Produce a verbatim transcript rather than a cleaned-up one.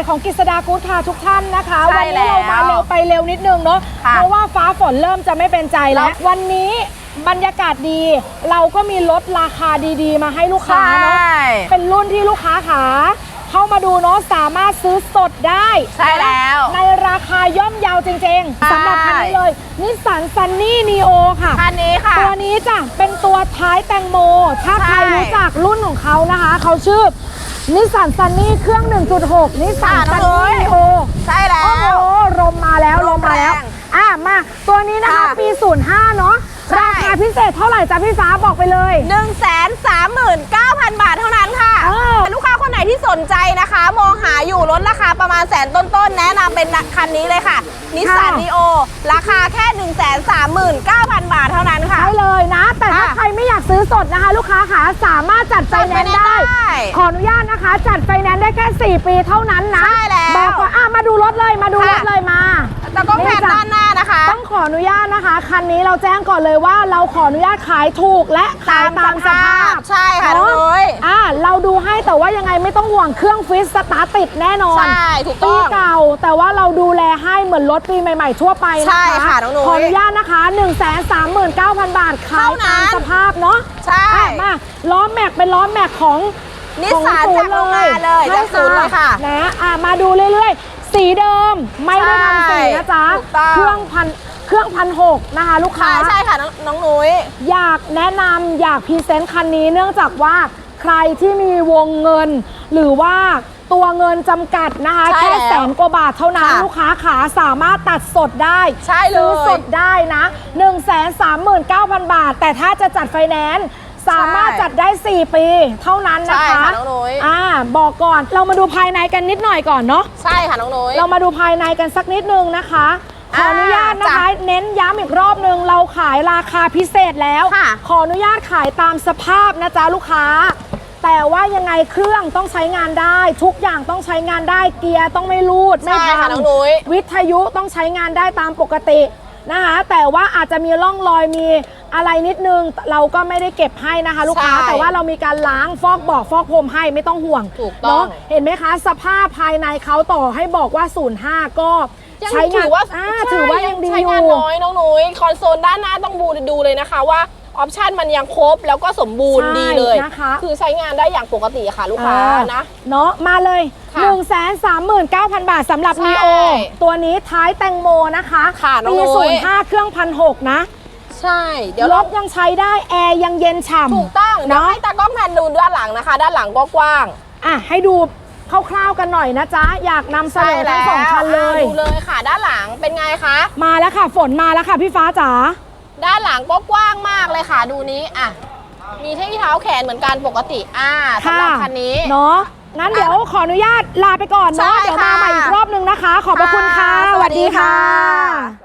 ของกฤษดากู๊ดคาร์ทุกท่านนะคะวันนี้เรามาเร็วไปเร็วนิดนึงเนาะเพราะว่าฟ้าฝนเริ่มจะไม่เป็นใจแล้ววันนี้บรรยากาศดีเราก็มีลดราคาดีๆมาให้ลูกค้าเนาะเป็นรุ่นที่ลูกค้าขาเข้ามาดูเนาะสามารถซื้อสดได้ใช่แล้วในราคาย่อมเยาจริงๆสำหรับคันนี้เลยนิสสันซันนี่นีโอค่ะคันนี้ค่ะตัวนี้จ้ะเป็นตัวท้ายแตงโมถ้าใครรู้จักรุ่นของเขานะคะเขาชื่อนิสสันซันนี่เครื่อง หนึ่งจุดหก นิสสันซันนี่นีโอใช่แล้วโอ้โหลมมาแล้วลมมาแล้วอ่ะมาตัวนี้นะคะปีศูนย์ห้าเนาะราคาพิเศษเท่าไหร่จ๊ะพี่ฟ้าบอกไปเลยหนึ่งแสนสามหมื่นเก้าพัน บาทเท่านั้นค่ะลูกค้าคนไหนที่สนใจนะคะมองหาอยู่ลดราคาประมาณแสนต้นๆแนะนำเป็นคันนี้เลยค่ะนิสสันนีโอราคาแค่ หนึ่งแสนสามหมื่นเก้าพัน บาทเท่านั้นค่ะได้เลยนะแต่ถ้าใครไม่อยากซื้อสดนะคะลูกค้าขาสามารถจัดไฟแนนซ์ได้ขออนุญาตนะคะจัดไฟแนนซ์ได้แค่สี่ปีเท่านั้นนะใช่แล้วบอกว่าอ่ะมาดูรถเลยมาดูรถเลยมาแต่ก็แพนด้านหน้านะคะต้องขออนุญาตนะคะคันนี้เราแจ้งก่อนเลยว่าเราขออนุญาตขายถูกและขายตามสภาพใช่ค่ะน้องนุ้ยอ่าเราดูให้แต่ว่ายังไงไม่ต้องห่วงเครื่องฟิตสตาร์ทติดแน่นอนใช่ถูกต้องปีเก่าแต่ว่าเราดูแลให้เหมือนรถปีใหม่ๆทั่วไปนะคะใช่ค่ะน้องนุ้ยขออนุญาตนะคะ หนึ่งแสนสามหมื่นเก้าพัน บาทขายตามสภาพเนาะใช่มาล้อแม็กเป็นล้อแม็กของนิสสันจากโรงงานเลยจากศูนย์เลยค่ะนะอ่ามาดูเรื่อยๆสีเดิมไม่ได้ทำสีนะจ๊ะเครื่องพันเครื่องพันหกนะคะลูกค้าใช่ค่ะน้องนุ้ยอยากแนะนำอยากพรีเซนต์คันนี้เนื่องจากว่าใครที่มีวงเงินหรือว่าตัวเงินจำกัดนะคะแค่แสนกว่าบาทเท่านั้นลูกค้าขาสามารถตัดสดได้ซื้อสดได้นะ หนึ่งแสนสามหมื่นเก้าพัน บาทแต่ถ้าจะจัดไฟแนนซ์สามารถจัดได้สี่ปีเท่านั้นนะคะใช่ค่ะน้องนุ้ยอ่าบอกก่อนเรามาดูภายในกันนิดหน่อยก่อนเนาะใช่ค่ะน้องนุ้ยเรามาดูภายในกันสักนิดนึงนะคะขออนุญาตนะคะเน้นย้ำอีกรอบนึงเราขายราคาพิเศษแล้วขออนุญาตขายตามสภาพนะจ๊ะลูกค้าแต่ว่ายังไงเครื่องต้องใช้งานได้ทุกอย่างต้องใช้งานได้เกียร์ต้องไม่รูดไม่พังวิทยุต้องใช้งานได้ตามปกตินะคะแต่ว่าอาจจะมีร่องรอยมีอะไรนิดนึงเราก็ไม่ได้เก็บให้นะคะลูกค้าแต่ว่าเรามีการล้างฟอกบอกฟอกพรมให้ไม่ต้องห่วงเนาะเห็นไหมคะสภาพภายในเขาต่อให้บอกว่าศูนย์ห้าก็ใช้งานว่าถือว่ายังดีอยู่ใช้งานน้อยน้องนุ้ยคอนโซลด้านหน้าต้องบูดูเลยนะคะว่าออปชันมันยังครบแล้วก็สมบูรณ์ดีเลยนะคะคือใช้งานได้อย่างปกติค่ะลูกค้านะเนาะมาเลย หนึ่งแสนสามหมื่นเก้าพัน บาทสำหรับนีโอตัวนี้ท้ายแตงโมนะคะปีศูนย์ห้าเครื่องพันหกนะใช่เดี๋ยวรถยังใช้ได้แอร์ยังเย็นฉ่ำถูกต้องเดี๋ยวให้ตากล้องแพนดูด้านหลังนะคะด้านหลังกว้างอ่ะให้ดูคร่าวๆกันหน่อยนะจ๊ะอยากนำเสนอทั้งสองคันเลยดูเลยค่ะด้านหลังเป็นไงคะมาแล้วค่ะฝนมาแล้วค่ะพี่ฟ้าจ๋าด้านหลังก็กว้างมากเลยค่ะดูนี้อ่ะมีที่เท้าแขนเหมือนกันปกติอ่าสำหรับคันนี้เนาะงั้นเดี๋ยวขออนุญาตลาไปก่อนเนาะเดี๋ยวมาใหม่อีกรอบนึงนะคะขอบพระคุณค่ะสวัสดีค่ะ